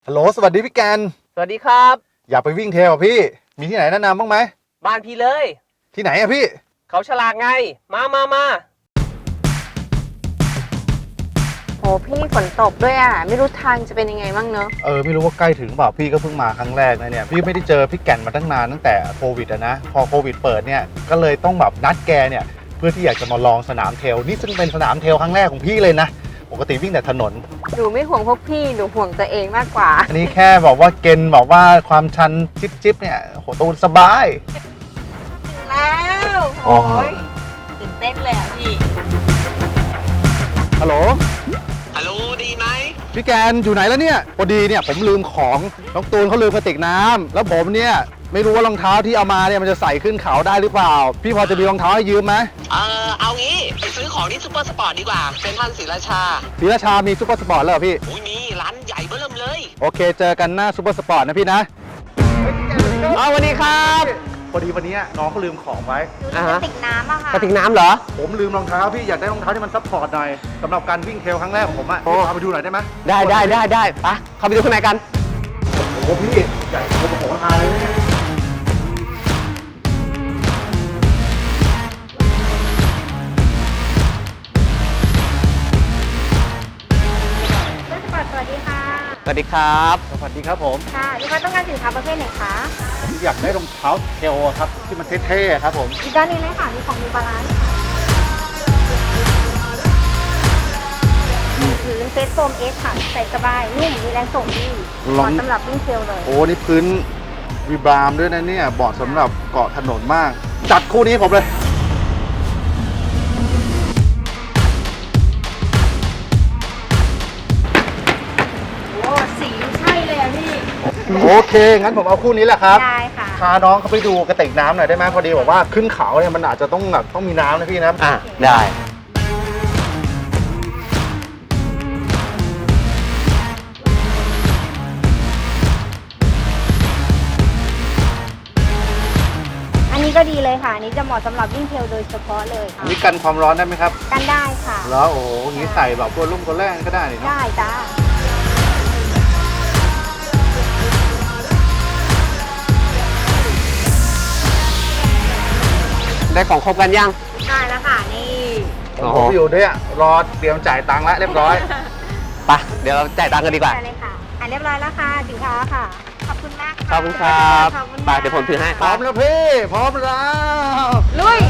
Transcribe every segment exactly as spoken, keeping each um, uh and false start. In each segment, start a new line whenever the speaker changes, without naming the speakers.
ฮัลโหลสวัสดีพี่แกน
สวัสดีครับ
อยากไปวิ่งเทรลพี่มีที่ไหนแนะนำบ้างไหม
บ้านพี่เลย
ที่ไหนอะพี่
เขาฉลากไงมามามา
โอ้พี่ฝนตกด้วยอ่ะไม่รู้ทางจะเป็นยังไงบ้างเนอะ
เออไม่รู้ว่าใกล้ถึงเปล่าพี่ก็เพิ่งมาครั้งแรกนะเนี่ยพี่ไม่ได้เจอพี่แกนมาตั้งนานตั้งแต่โควิดอะนะพอโควิดเปิดเนี่ยก็เลยต้องแบบนัดแกเนี่ยเพื่อที่อยากจะมาลองสนามเทรลนี่ซึ่งเป็นสนามเทรลครั้งแรกของพี่เลยนะปกติวิ่งแต่ถนน
หนูไม่ห่วงพวกพี่หนูห่วงตัวเองมากกว่า
อันนี้แค่บอกว่าเกณฑ์บอกว่าความชันจิ๊บๆเนี่ยโหตูนสบาย
ถึงแล้วโอ้ยตื่นเต้นเลยอ่ะพี่
ฮัลโหล
ฮัลโหลดีไหม
พี่แกนอยู่ไหนแล้วเนี่ยพอดีเนี่ยผมลืมของน้องตูนเขาลืมกระติกน้ำแล้วผมเนี่ยไม่รู้ว่ารองเท้าที่เอามาเนี่ยมันจะใส่ขึ้นเขาได้หรือเปล่าพี่พอจะมีรองเท้าให้ยืมไหม
เออเอางี้ไปซื้อของที่ซูเปอร์สปอร์ตดีกว่าเซ็นทรัลศรีราชา
ศรีราชามีซูเปอร์สปอร์ตแล้วเหรอพี่
อุ้ยมีร้านใหญ่เบิ่มเลย
โอเคเจอกันหน้าซูเปอร์สปอร์ตนะพี่นะ
เอาสวัสดีครับ
พอดีวันนี้น้องเขาลืมของไว้
กระติกน้ำอะค่ะ
กระติกน้ำเหรอ
ผมลืมรองเท้าพี่อยากได้รองเท้าที่มันซัพพอร์ตหน่อยสำหรับการวิ่งเทรลครั้งแรกของผมอะพาไปดูหน่อยได้ไหม
ได้ได้ได้ได้ปะเข้าไปดูข้างในกัน
โอ้โหพี่ใหญ่โตมโหฬารเลยเนี่ย
สวัสดีค่ะ
สวัสดีครับ
สวัสดีครับผม
ค่ะลูกค้าต้องการสินค้าประเภทไหนคะ
ผมอยากได้รองเท้าเทรลครับที่มันเท่ๆครับผม
อีกด้านนี้เลยค่ะมีของมีบาลานซ์พื้นเฟสโฟมเอสค่ะใส่สบายนุ่มมีแรงส่งดีเหมาะสำหรับวิ่งเทรลเลย
โอ้นี่พื้นวีบรามด้วยนะเนี่ยเหมาะสำหรับเกาะถนนมากจัดคู่นี้ผมเลยโอเคงั้นผมเอาคู่นี้แหละครับ
ได้ค่ะ
พาน้องเขาไปดูกระติกน้ำหน่อยได้ไหมพอดีบอกว่าขึ้นเขาเนี่ยมันอาจจะต้องแบบต้องมีน้ำนะพี่นะ
อ่ะได้
อันนี้ก็ดีเลยค่ะอันนี้จะเหมาะสำหรับวิ่งเทรลโดยเฉพาะเลยค่ะ
นี่กันความร้อนได้ไหมครับ
กันได้ค่ะ
แล้วโอ้โหงี้ใส่แบบตัวลุ่มตัวแรกก็ได้เนาะ
ได้จ้า
ได้ของครบกันยัง
ได้แล้วค่ะนี่
ผมอยู่ด้วยรอเตรียมจ่ายตังค์แล้วเรียบร้อย
ไปเดี๋ยวเราจ่ายตังค์กันดีกว่า
ได้เลยค่ะอ่ะเรียบร้อยแล้วค่ะสินค้าค่ะขอบคุณมาก
ขอบคุณครับไปเดี๋ยวผมถือให้
พร้อมแล้วพี่พร้อมแล้ว
ลุย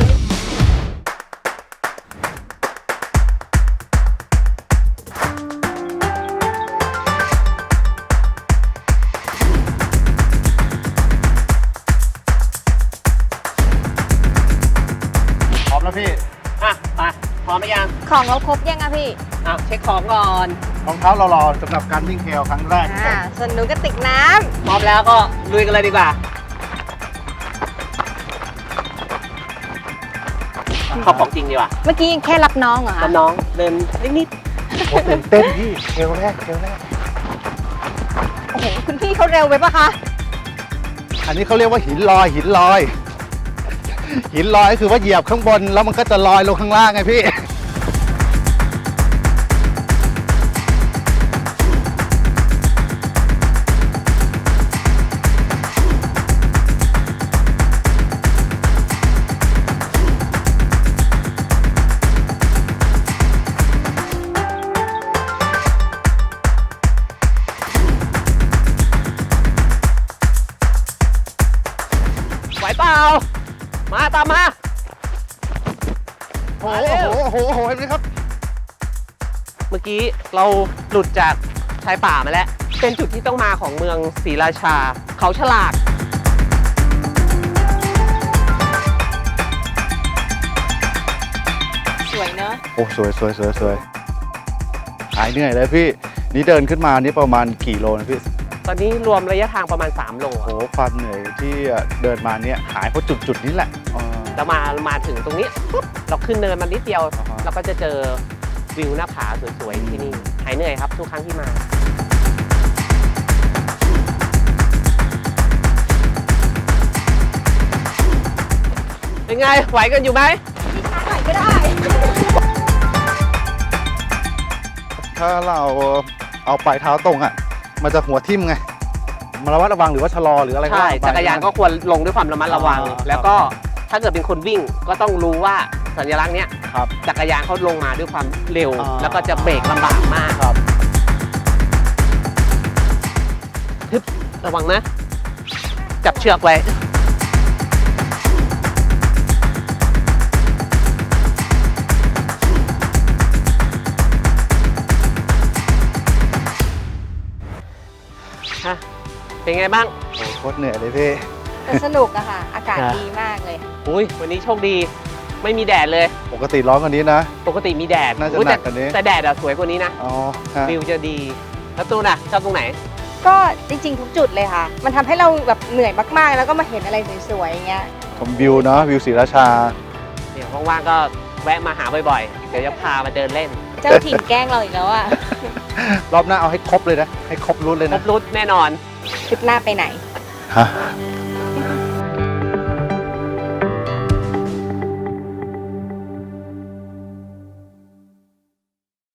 แล้วพี่
อ่ะไปพร้อมไหมยัง
ของเราครบยังอะพี่
อ่ะเช็คของก่อน
รองเท้าเรารอสำหรับการวิ่งเทรลครั้งแรก
อ่าส่วนหนูกระติกน้
ำพร้อมแล้วก็ลุยกันเลยดีกว่าเข้าของจริงดีกว่า
เมื่อกี้แค่รับน้องเหรอคะ
รับน้องเดินนิด
ๆโอ้ตื่นเต้นพี่เทรลแรกเทรลแรก
โอ้โหคุณพี่เขาเร็วไปปะคะ
อันนี้เขาเรียกว่าหินลอยหินลอยหินลอยก็คือว่าเหยียบข้างบนแล้วมันก็จะลอยลงข้างล่างไงพี่
ไหวเปล่ามาตามมา
โอ้โหโอ้โหโอ้โหเห็นไหมครับ
เมื่อกี้เราหลุดจากชายป่ามาแล้วเป็นจุดที่ต้องมาของเมืองศรีราชาเขาฉลาก
สวยเนอะ
โอ้สวยสวยสวยสวยหายเหนื่อยเลยพี่นี่เดินขึ้นมานี่ประมาณกี่โลนะพี่
ตอนนี้รวมระยะทางประมาณสามโล
โอ้ความเหนื่อยที่เดินมาเนี่ยหายเพราะจุดจุดนี้แหละ
เรามามาถึงตรงนี้ปุ๊บเราขึ้นเนินมานิดเดียวเราก็จะเจอวิวหน้าผาสวยๆที่นี่หายเหนื่อยครับทุกครั้งที่มาเป็นไงไหวกันอยู่ไหม
พี่ช้าหน่อยก็ได้
ถ้าเราเอาปลายเท้าตรงอ่ะมันจะหัวทิ่มไงมาระมัดระวังหรือว่าชะลอหรืออะไร
ใช่
ว่ไป
จักรยานก็ควรลงด้วยความระมัดระวัง
อ่า
แล้วก็ถ้าเกิดเป็นคนวิ่งก็ต้องรู้ว่าสัญลักษณ์เนี้ย
ครับ
จักรยานเขาลงมาด้วยความเร็ว
อ่า
แล้วก็จะเบรกลำบากมาก
ครับ
ทึบระวังนะ จับเชือกไว้ ฮะ เป็นไงบ้าง
โอ้โหโคตรเหนื่อยเลยพี่
แต่สนุกอะค่ะ อากาศ
ครับ
ดีมากเลย
อุ้ยวันนี้โชคดี ไม่มีแดดเลย
ปกติร้อนกว่านี้นะ
ปกติมีแดด
น่าจะ
อุ๊ย
หนั
แต่
กกว่านี้
แต่แดดอะสวยกว่านี้นะ
อ๋อฮะ
วิวจะดี แล้วตูนอะชอบตรงไหน
ก็จริงๆทุกจุดเลยค่ะ มันทำให้เราแบบเหนื่อยมากๆ แล้วก็มาเห็นอะไรสวยๆอย่างเงี้ย
ชมวิวเนาะวิวศรีราชา
เดี๋ยวว่างๆก็แวะมาหาบ่อยๆ เดี๋ยวจะพามาเดินเล่น
เจ้าถิ่นแกล้งเราอีกแล้วอะ
รอบหน้าเอาให้ครบเลยนะ ให้ครบรุ่นเลย
คร
นะ
บรุดแน่นอน
ทริปหน้าไปไหน
ฮะ